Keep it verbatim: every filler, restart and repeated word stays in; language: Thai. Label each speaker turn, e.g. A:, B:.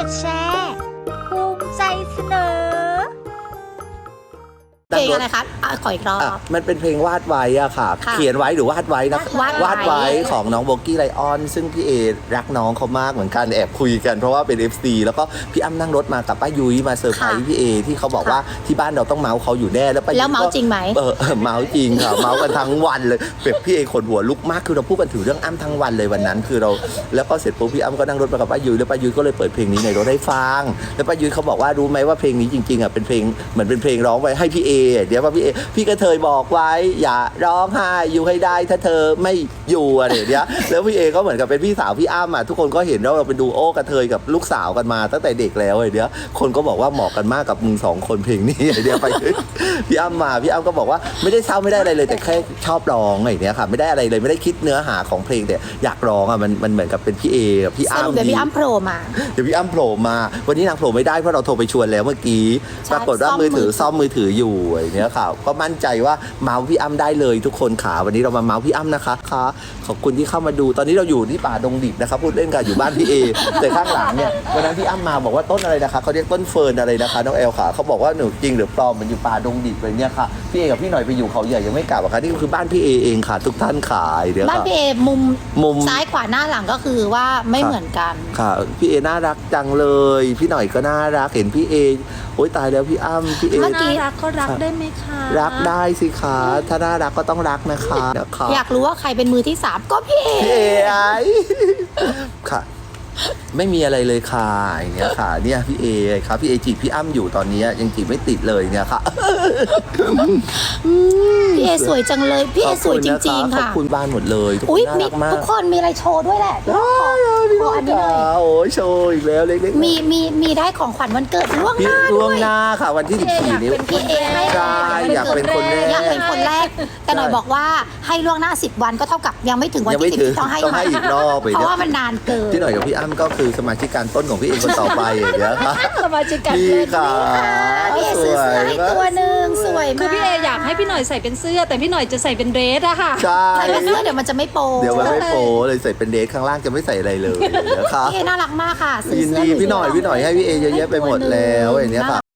A: ดแชร์ภูมิใจเสนอ
B: เพลงอะไรคะอ่ะขออีกรอบ
C: อ่ะมันเป็นเพลงวาดไว้อะค่ะ
B: ค่ะ
C: เขียนไว้หรือวาดไว้นะ
B: วาดไว้
C: วาดไว้ของน้องโบกี้ไลออน ซึ่งพี่เอรักน้องเขามากเหมือนกันแอบคุยกันเพราะว่าเป็น เอฟ ซี แล้วก็พี่อ้ำนั่งรถมากับป้ายุ้ยมาเซอร์ไพรส์พี่เอที่เขาบอกว่าที่บ้านเราต้องเมาส์เขาอยู่แน่แล้วป้ายุ้ย
B: แล้วเมาส์จริงไหม
C: เออเออเมาส์จริงค่ะ เมาส์กันทั้งวันเลยแบบพี่เอขนหัวลุกมากคือเราพูดกันถึงเรื่องอ้ำทั้งวันเลยวันนั้นคือเราแล้วก็เสร็จปุ๊บพี่อ้ำก็นั่งรถมากับป้ายุ้ยแล้วป้ายุ้ยก็เลยเปิดเพลงนี้ในรถให้ฟังแล้วป้ายุ้ยเขาบอกว่ารู้ไหมว่าเพลงนี้จริงๆอ่ะเป็นเพลงเหมือนเป็นเพลงร้องไว้ให้พี่เอเดี๋ยวว่าพี่เอพี่กระเทยบอกไว้อย่าร้องไห้อยู่ให้ได้ถ้าเธอไม่อยู่อะไรอย่างเงี้ยแล้วพี่เอก็เหมือนกับเป็นพี่สาวพี่อ้ำอ่ะทุกคนก็เห็นว่าเราเป็นดูโอกระเทยกับลูกสาวกันมาตั้งแต่เด็กแล้วไอ้เนี้ยคนก็บอกว่าเหมาะกันมากกับมึงสองคนเพลงนี้ไอ้เนี้ยไป พี่อ้ำมาพี่อ้ำก็บอกว่าไม่ได้เศร้าไม่ได้อะไรเลยแต่แค่ชอบร้องไอ้เนี้ยค่ะไม่ได้อะไรเลยไม่ได้คิดเนื้อหาของเพลงแต่อยากร้องอ่ะมันมันเหมือนกับเป็นพี่เอกับพี่
B: ส
C: อ้ำ
B: รุปเดี๋ยวพี่อ้ำโผล่มา
C: เดี๋ยวพี่อ้ำโผล่มาวันนี้นางโผล่ไม่ได้เพราะเราโทรไปชวนแล้วเมื่อกี้
B: ใช่
C: ปรากฏว่า
B: ซ่อม
C: มือถือ
B: มือถือ
C: ซ่อมมือถืออยู่ไอ้เนี้ยค่ะก็มั่นใจว่าเมาส์พี่อ้ำได้เลยทุกคนขาวันนี้เรามาเมาส์พี่อ้ำนะคะค่ะขอบคุณที่เข้ามาดูตอนนี้เราอยู่ที่ป่าดงดิบนะครับพูดเล่นกันอยู่บ้านพี่เอ แต่ข้างหลังเนี่ยวันนั้นพี่อ้ำมาบอกว่าต้นอะไรนะคะเขาเรียกต้นเฟิร์นอะไรนะคะน้องแอลค่ะเขาบอกว่าหนูจริงหรือปลอมมันอยู่ป่าดงดิบเลยเนี่ยค่ะพี่เอกับพี่หน่อยไปอยู่เขาใหญ่ยังไม่กลับอะค่ะนี่คือบ้านพี่เอเองค่ะ ทุกท่านขายเดี๋ยว
B: บ้าน
C: ค่ะ
B: พี่เอมุม
C: มุม
B: ซ้ายขวาหน้าหลังก็คือว่าไม่
C: ครับ
B: เหมือนกัน
C: ค่ะพี่เอน่ารักจังเลย พี่หน่อยก็น่ารักเห็นพี่เอโอ๊ยตายแล้วพี่อ้ำพี่เอ
B: เมื่อกี้
A: รักก็รักได้ไหมคะ
C: รักได้สิคะถ้าน่ารักก็ต้องรักนะคะนะคะ
B: อยากรู้ว่าใครเป็นมือที่สามก็พี่เอ
C: พี่เอไอค่ะ ไม่มีอะไรเลยค่ะอย่างเงี้ยค่ะเนี่ยพี่เอครับพี่เอจีบพี่อ้ำอยู่ตอนนี้ยังจีบไม่ติดเลยเนี่ยค่ะ
B: พี่เอสวยจังเลยพี่เอสวยจริงๆ
C: ขอบ
B: ค่ะ
C: คุณบ้านหมดเลยทุกค
B: อุ้ย
C: นน่า
B: มี
C: รักมาก
B: ทุกคนมีอะไรโชว์ด้วยแหละขอขออันนี้หน่อย
C: โอ้ยโชว์อีกแล้วเล็กๆ
B: มีมีมีได้ของขวัญวันเกิดล่วงห
C: พี่
B: น้า
C: ล่
B: ด้
C: ว
B: ว
C: ง
B: ย
C: หน้าค่ะวันที่สิบสี่นี้
B: พี่เอให้
C: ใช่อยากเป็นคนแรก
B: อยากเป็นคนแรก แต่หน่อยบอกว่าให้ล่วงหน้าสิบวันก็เท่ากับยังไม่ถึงวัน
C: ยัง
B: ที่
C: ไม่
B: สิบ
C: ถึง
B: ที่ต้องให้
C: ต้องให้อีกรอบไป
B: เพ
C: เนี่ย
B: ราะว่ามันนานเกิน
C: พี่หน่อยกับพี่อ้ำก็คือสมาชิกการต้นของพี่เอคนต่อไปอย่างเงี้ยค่ะ
A: สมาชิกกัน
C: พี่
A: เลย
C: ค่ะ
B: พี่เอซื้อเสื้อให้ตัวหนึ่งสวยมาก
D: คือพี่เออยากให้พี่หน่อยใส่เป็นเสื้อ แต่พี่หน่อยจะใส่เป็นเดรสอะค่ะ
C: ใช่
B: ใส่เป็นเสื้อเดี๋ยวมันจะไม่โป
C: เดี๋ยวมันไม่โปเลยใส่เป็นเดทข้างล่างจะไม่ใส่อะไรเลยนะคะ
B: พี่เอน่ารักมากค่ะซื้อ
C: ยิน
B: เสื้อ
C: ดีพี่หน่อยพี่หน่อยให้พี่เอเยอะแยะไปหมดแล้วอย่างเงี้ยค่ะ